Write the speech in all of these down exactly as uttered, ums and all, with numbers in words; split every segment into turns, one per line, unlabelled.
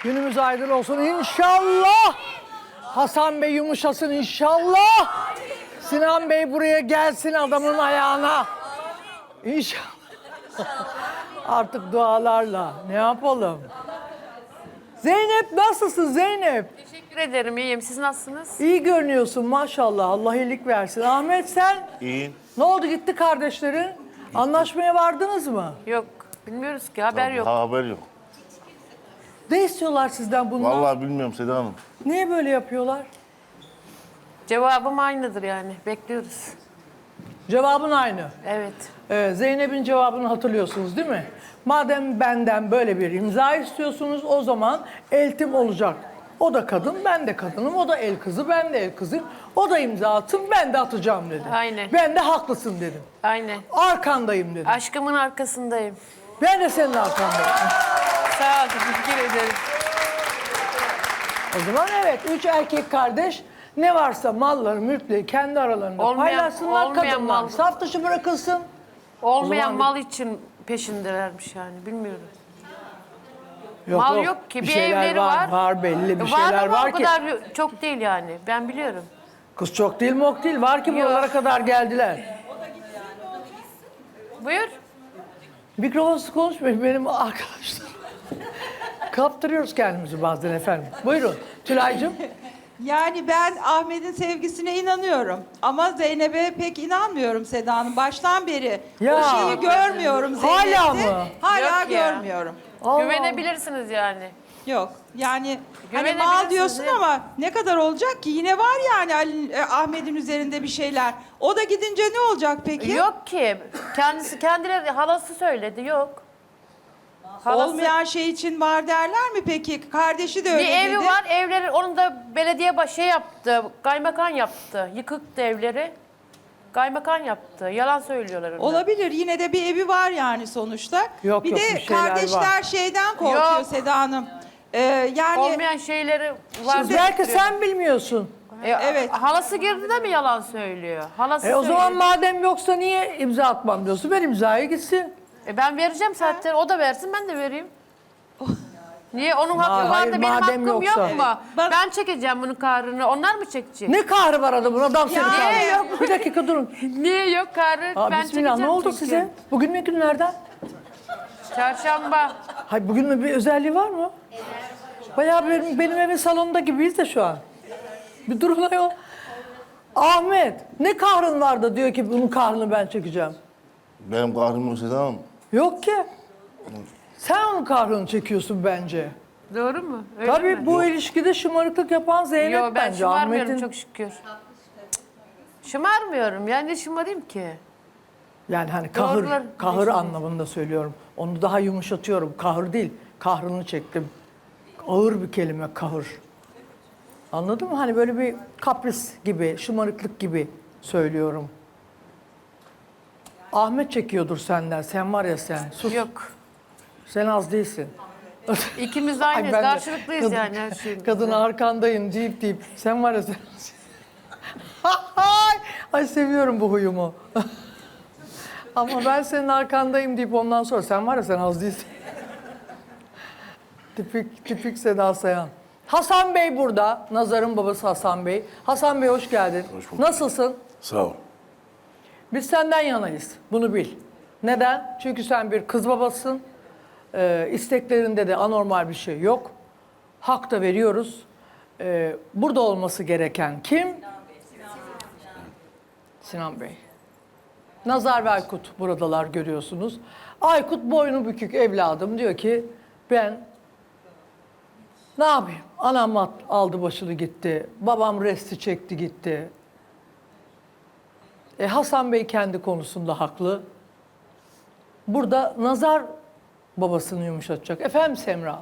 Günümüz aydın olsun inşallah. Hasan Bey yumuşasın inşallah. Sinan Bey buraya gelsin adamın ayağına. İnşallah. Artık dualarla ne yapalım? Zeynep nasılsın Zeynep?
Teşekkür ederim, iyiyim. Siz nasılsınız?
İyi görünüyorsun maşallah. Allah iyilik versin. Ahmet sen?
İyiyim.
Ne oldu gitti kardeşlerin? Anlaşmaya vardınız mı?
Yok, bilmiyoruz ki. Haber yok.
Ha, haber yok.
Ne istiyorlar sizden bunlar?
Vallahi bilmiyorum Seda Hanım.
Niye böyle yapıyorlar?
Cevabım aynıdır yani. Bekliyoruz.
Cevabın aynı.
Evet.
Ee, Zeynep'in cevabını hatırlıyorsunuz değil mi? Madem benden böyle bir imza istiyorsunuz o zaman eltim olacak. O da kadın, ben de kadınım. O da el kızı, ben de el kızıyım. O da imza atsın, ben de atacağım dedi.
Aynen.
Ben de haklısın dedim.
Aynen.
Arkandayım dedim.
Aşkımın arkasındayım.
Ben de senin arkandayım.
Sağ ol, teşekkür ederim.
O zaman evet, üç erkek kardeş ne varsa malları, mülkleri kendi aralarında
Olmayan-
paylaşsınlar.
olmayan
Kadınlar
mal-
saf dışı bırakılsın.
Olmayan
zaman-
mal için peşindelermiş yani, bilmiyorum.
Yok,
Mal yok ki, bir
şeyler
evleri
var.
var.
Var belli bir
Var
şeyler
ama
var
o
ki.
kadar çok değil yani, ben biliyorum.
Kız çok değil mok değil. Var ki
Yok.
buralara kadar geldiler.
Buyur.
Mikrofonsuz konuşmayın benim arkadaşlar. Kaptırıyoruz kendimizi bazen efendim. Buyurun Tülay'cığım.
Yani ben Ahmet'in sevgisine inanıyorum. Ama Zeynep'e pek inanmıyorum Seda Hanım. Baştan beri
Ya.
o şeyi görmüyorum Zeynep'te.
Hala mı?
Hala
Yok ya.
görmüyorum.
Allah.
Güvenebilirsiniz yani.
Yok. Yani hani
Güvenebilirsiniz
mal diyorsun
ya.
ama ne kadar olacak ki? Yine var yani Ali- e, Ahmet'in üzerinde bir şeyler. O da gidince ne olacak peki?
Yok ki. Kendisi kendileri halası söyledi. Yok. Halası,
Olmayan şey için var derler mi peki? Kardeşi de öyle
bir
dedi.
evi var. Evleri onun da belediye baş şey yaptı. Kaymakan yaptı. Yıkıktı evleri. Kaymakan yaptı. Yalan söylüyorlar onlar.
Olabilir. Yine de bir evi var yani sonuçta.
Yok,
bir
yok,
de
bir şeyler
kardeşler
var.
şeyden korkuyor
Yok.
Seda Hanım. Ee, yani
Olmayan şeyleri var.
Şimdi-
Belki sen bilmiyorsun.
E,
Evet.
Halası girdi de mi yalan söylüyor? Halası
E o zaman
söylüyor.
madem yoksa niye imza atmam diyorsun? Ben imzaya gitsin.
E, ben vereceğim zaten. O da versin, ben de vereyim. Niye? Onun hakkı
hayır,
var da benim
madem
hakkım
yoksa.
yok mu?
Ben-
Ben çekeceğim bunun kahrını. Onlar mı çekecek?
Ne kahrı var adamın? Adam seni
Ya,
kahrı.
yok.
Bir dakika durun.
Niye yok kahrı?
Aa,
ben
bismillah ne
çekeceğim
oldu
çünkü.
size? Bugün ne günlerden?
Çarşamba.
Hayır bugün mü bir özelliği var mı? Bayağı benim, benim evin salonunda gibiyiz de şu an. Bir durun ayol. Ahmet ne kahrın var da diyor ki bunun kahrını ben çekeceğim.
Benim kahrım yok Seda Hanım.
Yok ki. Sen onun kahrını çekiyorsun bence.
Doğru mu? Öyle
Tabii
mi?
bu ilişkide şımarıklık yapan Zeynep
Yo, ben
bence.
şımarmıyorum
Ahmet'in
çok şükür. Şımarmıyorum. Yani ne şımarayım ki?
yani hani kahır,
Doğrular-
kahır
Neyse.
anlamında söylüyorum. Onu daha yumuşatıyorum. Kahır değil. Kahrını çektim. Ağır bir kelime kahır. Anladın mı? Hani böyle bir kapris gibi, şımarıklık gibi söylüyorum. Ahmet çekiyordur senden. Sen var ya sen. Sus.
Yok.
Sen az değilsin.
İkimiz de
Ay
aynıyız.
ben de
Karşılıklıyız
kadın-
yani her şeyimizde.
Kadın arkandayım deyip deyip. Sen var ya sen. Ay, ay seviyorum bu huyumu. Ama ben senin arkandayım deyip ondan sonra sen var ya sen az değilsin. tipik, tipik Seda Sayan. Hasan Bey burada. Nazar'ın babası Hasan Bey. Hasan Bey hoş geldin.
Hoş bulduk.
Nasılsın?
Sağ ol.
Biz senden yanayız. Bunu bil. Neden? Çünkü sen bir kız babasın. Ee, isteklerinde de anormal bir şey yok. Hak da veriyoruz. Ee, burada olması gereken kim? Sinan Bey. Nazar ve Aykut buradalar görüyorsunuz. Aykut boynu bükük evladım diyor ki ben ne yapayım? Anam at- aldı başını gitti. Babam resti çekti gitti. E, Hasan Bey kendi konusunda haklı. Burada Nazar babasını yumuşatacak. Efendim Semra?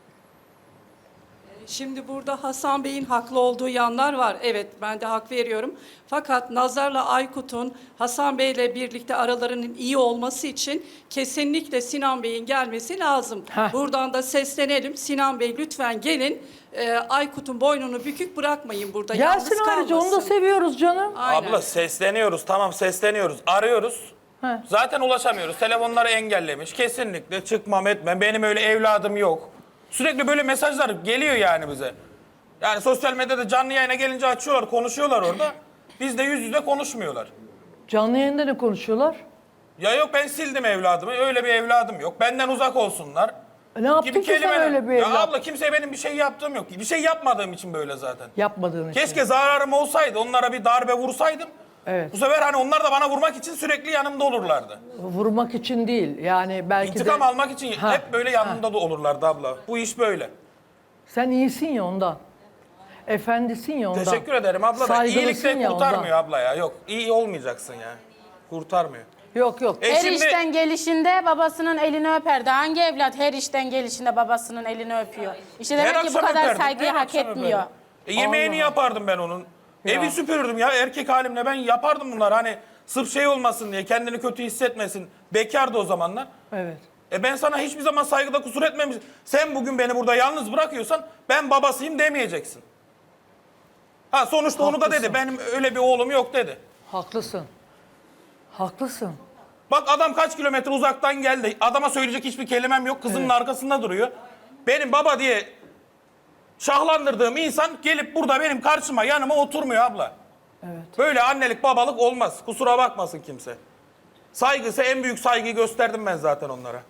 Şimdi burada Hasan Bey'in haklı olduğu yanlar var. Evet, ben de hak veriyorum. Fakat Nazar'la Aykut'un Hasan Bey'le birlikte aralarının iyi olması için kesinlikle Sinan Bey'in gelmesi lazım.
Heh.
Buradan da seslenelim. Sinan Bey lütfen gelin. Ee, Aykut'un boynunu bükük bırakmayın burada.
Gelsin
Yalnız
ayrıca onu da
kalmasın.
seviyoruz canım.
Aynen.
Abla sesleniyoruz, tamam sesleniyoruz, arıyoruz.
He.
Zaten ulaşamıyoruz. Telefonları engellemiş. Kesinlikle çıkmam etmem. Benim öyle evladım yok. Sürekli böyle mesajlar geliyor yani bize. Yani sosyal medyada canlı yayına gelince açıyorlar, konuşuyorlar orada. Bizde yüz yüze konuşmuyorlar.
Canlı yayında ne konuşuyorlar?
Ya yok ben sildim evladımı, öyle bir evladım yok. Benden uzak olsunlar.
E ne yaptın ki sen
kelimeler.
öyle bir
Ya
evlat?
abla kimseye benim bir şey yaptığım yok. Bir şey yapmadığım için böyle zaten.
Yapmadığın için.
Keşke zararım olsaydı, onlara bir darbe vursaydım.
Evet.
Bu sefer hani onlar da bana vurmak için sürekli yanımda olurlardı.
Vurmak için değil. Yani belki
İntikam
de...
almak için
Ha,
hep böyle yanımda da olurlardı abla. Bu iş böyle.
Sen iyisin ya ondan. Efendisin ya ondan.
Teşekkür ederim abla da
Saygılısın
iyilik de
ya
kurtarmıyor
ondan.
abla ya. Yok iyi olmayacaksın ya. Kurtarmıyor.
Yok yok.
E
Her
şimdi
işten gelişinde babasının elini öperdi. Hangi evlat her işten gelişinde babasının elini öpüyor? İşte
her
demek ki bu
akşam
kadar
öperdim,
saygıyı
her
hak
akşam
etmiyor.
öperdim. E, yemeğini yapardım ben onun. Evi süpürürdüm ya erkek halimle ben yapardım bunlar. Hani sırf şey olmasın diye kendini kötü hissetmesin. Bekardı o zamanlar.
Evet.
E ben sana hiçbir zaman saygıda kusur etmemişim. Sen bugün beni burada yalnız bırakıyorsan ben babasıyım demeyeceksin. Ha sonuçta onu da
Haklısın.
dedi. Benim öyle bir oğlum yok dedi.
Haklısın. Haklısın.
Bak adam kaç kilometre uzaktan geldi. Adama söyleyecek hiçbir kelimem yok. Kızımın arkasında duruyor. Benim baba diye şahlandırdığım insan gelip burada benim karşıma yanıma oturmuyor abla.
Evet.
Böyle annelik babalık olmaz. Kusura bakmasın kimse. Saygısı en büyük saygıyı gösterdim ben zaten onlara.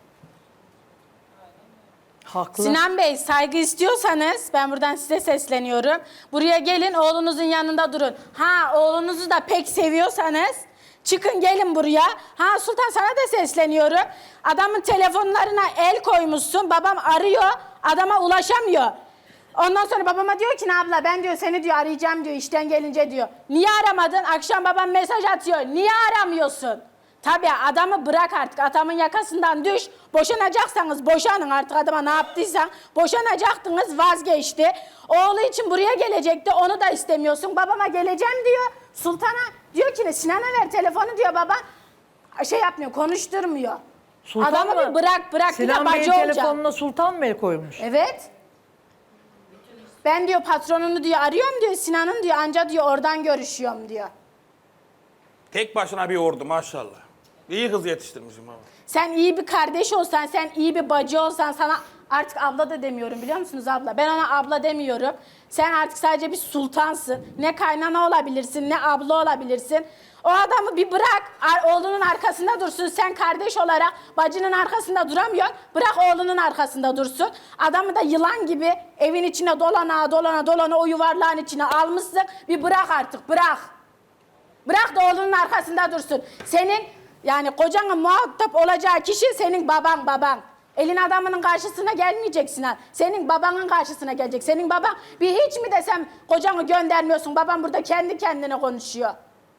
Haklı.
Sinan Bey saygı istiyorsanız ben buradan size sesleniyorum. Buraya gelin oğlunuzun yanında durun. Ha oğlunuzu da pek seviyorsanız çıkın gelin buraya. Ha Sultan sana da sesleniyorum. Adamın telefonlarına el koymuşsun. Babam arıyor. Adama ulaşamıyor. Ondan sonra babama diyor ki ne abla ben diyor seni diyor arayacağım diyor işten gelince diyor. Niye aramadın? Akşam babam mesaj atıyor. Niye aramıyorsun? Tabii adamı bırak artık. Adamın yakasından düş. Boşanacaksanız boşanın artık adama ne yaptıysan. Boşanacaktınız vazgeçti. Oğlu için buraya gelecekti. Onu da istemiyorsun. Babama geleceğim diyor. Sultan'a diyor ki Sinan'a ver telefonu diyor baba. Şey yapmıyor konuşturmuyor.
Sultan
Adamı
mı?
bir bırak bırak
Sinan
bir de
Bey'in
bacı olacak.
telefonuna Sultan mı el koymuş?
Evet. Ben diyor patronunu diyor arıyorum diyor Sinan'ın diyor anca diyor oradan görüşüyorum diyor.
Tek başına bir ordu maşallah. İyi kız yetiştirmişim abi.
Sen iyi bir kardeş olsan, sen iyi bir bacı olsan sana artık abla da demiyorum biliyor musunuz abla? Ben ona abla demiyorum. Sen artık sadece bir sultansın. Ne kaynana olabilirsin, ne abla olabilirsin. O adamı bir bırak, ar- oğlunun arkasında dursun. Sen kardeş olarak bacının arkasında duramıyorsun. Bırak oğlunun arkasında dursun. Adamı da yılan gibi evin içine dolana dolana dolana o yuvarlağın içine almışsın. Bir bırak artık, bırak. Bırak da oğlunun arkasında dursun. Senin yani kocanın muhatap olacağı kişi senin baban baban. Elin adamının karşısına gelmeyeceksin ha. Senin babanın karşısına gelecek. Senin baban bir hiç mi desem kocanı göndermiyorsun. Babam burada kendi kendine konuşuyor.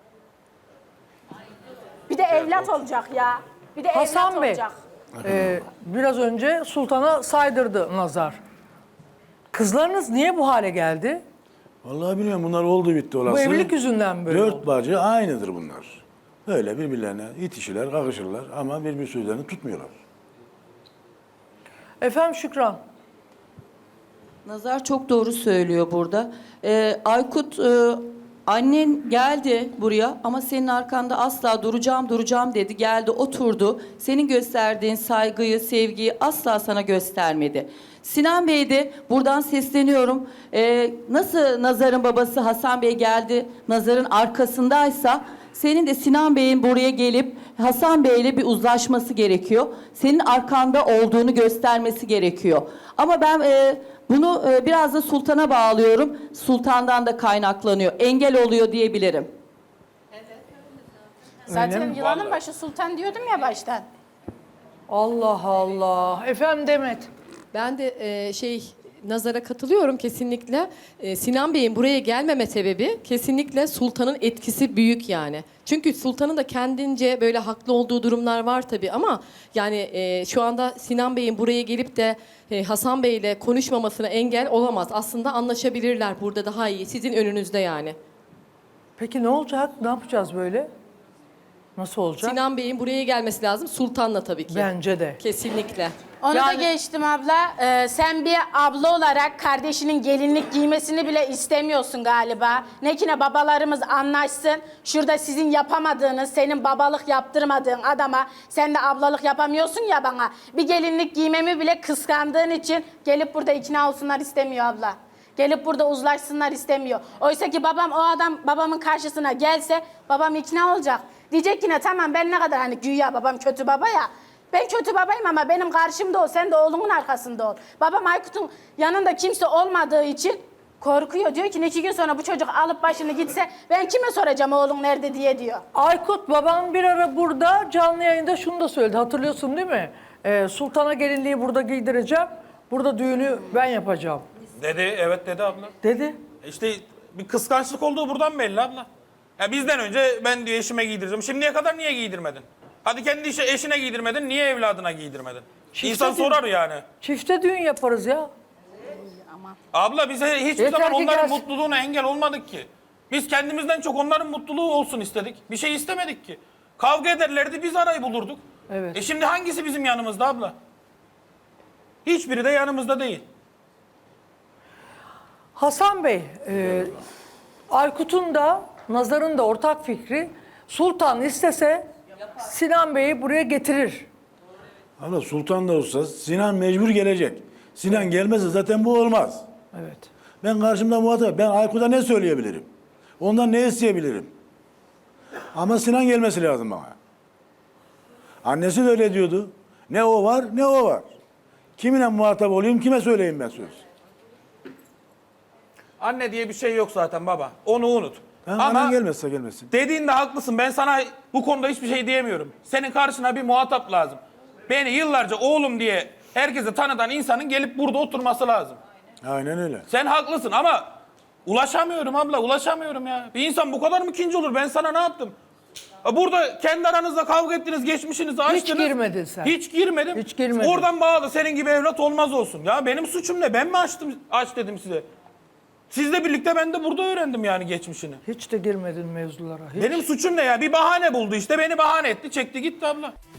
Bir de evlat olacak ya. Bir de
Hasan
evlat
Bey,
olacak.
e, biraz önce Sultan'a saydırdı Nazar. Kızlarınız niye bu hale geldi?
Vallahi bilmiyorum bunlar oldu bitti olası.
Bu evlilik yüzünden mi böyle
Dört
oldu?
bacı aynıdır bunlar. Böyle birbirlerine itişirler, kakışırlar ama birbir sözlerini tutmuyorlar.
Efendim Şükran,
Nazar çok doğru söylüyor burada. Ee, Aykut, e, annen geldi buraya ama senin arkanda asla duracağım duracağım dedi. Geldi oturdu. Senin gösterdiğin saygıyı, sevgiyi asla sana göstermedi. Sinan Bey de buradan sesleniyorum. Ee, nasıl Nazar'ın babası Hasan Bey geldi, Nazar'ın arkasındaysa senin de Sinan Bey'in buraya gelip Hasan Bey'le bir uzlaşması gerekiyor. Senin arkanda olduğunu göstermesi gerekiyor. Ama ben e, bunu e, biraz da Sultan'a bağlıyorum. Sultan'dan da kaynaklanıyor. Engel oluyor diyebilirim.
Zaten yılanın
Vallahi.
başı sultan diyordum ya baştan.
Allah Allah. Efendim Demet.
Ben de e, şey Nazar'a katılıyorum kesinlikle. E, Sinan Bey'in buraya gelmeme sebebi kesinlikle Sultan'ın etkisi büyük yani. Çünkü Sultan'ın da kendince böyle haklı olduğu durumlar var tabii ama yani e, şu anda Sinan Bey'in buraya gelip de e, Hasan Bey'le konuşmamasına engel olamaz. Aslında anlaşabilirler burada daha iyi. Sizin önünüzde yani.
Peki ne olacak? Ne yapacağız böyle? Nasıl olacak?
Sinan Bey'in buraya gelmesi lazım. Sultan'la tabii ki.
Bence de.
Kesinlikle.
Onu da
Yani-
geçtim abla. Ee, sen bir abla olarak kardeşinin gelinlik giymesini bile istemiyorsun galiba. Ne ki ne babalarımız anlaşsın. Şurada sizin yapamadığınız, senin babalık yaptırmadığın adama sen de ablalık yapamıyorsun ya bana. Bir gelinlik giymemi bile kıskandığın için gelip burada ikna olsunlar istemiyor abla. Gelip burada uzlaşsınlar istemiyor. Oysa ki babam o adam babamın karşısına gelse babam ikna olacak. Diyecek ki ne tamam ben ne kadar hani güya babam kötü baba ya. Ben kötü babayım ama benim karşımda ol, sen de oğlunun arkasında ol. Babam Aykut'un yanında kimse olmadığı için korkuyor. Diyor ki iki gün sonra bu çocuk alıp başını gitse ben kime soracağım oğlun nerede diye diyor.
Aykut babam bir ara burada canlı yayında şunu da söyledi. Hatırlıyorsun değil mi? Ee, Sultan'a gelinliği burada giydireceğim. Burada düğünü ben yapacağım.
Dedi, evet dedi abla.
Dedi.
İşte bir kıskançlık olduğu buradan belli abla. Ya bizden önce ben diyor eşime giydireceğim. Şimdiye kadar niye giydirmedin? Hadi kendi işe, eşine giydirmedin, niye evladına giydirmedin?
Çifte
İnsan
düğün-
sorar yani.
Çifte düğün yaparız ya.
Abla bize hiçbir
Yeter
zaman
ki
onların
gelsin.
mutluluğuna engel olmadık ki. Biz kendimizden çok onların mutluluğu olsun istedik. Bir şey istemedik ki. Kavga ederlerdi, biz arayı bulurduk.
Evet.
E şimdi hangisi bizim yanımızda abla? Hiçbiri de yanımızda değil.
Hasan Bey, e, Aykut'un da Nazar'ın da ortak fikri Sultan istese Sinan Bey'i buraya getirir.
Ama Sultan da olsa Sinan mecbur gelecek. Sinan gelmezse zaten bu olmaz.
Evet.
Ben karşımda muhatap. Ben Aykut'a ne söyleyebilirim? Ondan ne isteyebilirim? Ama Sinan gelmesi lazım bana. Annesi de öyle diyordu. Ne o var ne o var. Kiminle muhatap olayım, kime söyleyeyim ben söz?
Anne diye bir şey yok zaten baba. Onu unut.
Ben
Ama
annen gelmezse gelmesin.
dediğinde haklısın. Ben sana bu konuda hiçbir şey diyemiyorum. Senin karşına bir muhatap lazım. Beni yıllarca oğlum diye herkese tanıdan insanın gelip burada oturması lazım.
Aynen öyle.
Sen haklısın ama ulaşamıyorum abla, ulaşamıyorum ya. Bir insan bu kadar mı kinci olur? Ben sana ne yaptım? Burada kendi aranızda kavga ettiniz, geçmişinizi açtınız.
girmedin sen.
Hiç girmedim.
Hiç girmedin.
Oradan bağlı senin gibi evlat olmaz olsun. Ya benim suçum ne? Ben mi açtım, aç dedim size? Sizle birlikte ben de burada öğrendim yani geçmişini.
Hiç de girmedin mevzulara. Hiç.
Benim suçum ne ya? Bir bahane buldu işte, beni bahane etti, çekti gitti abla.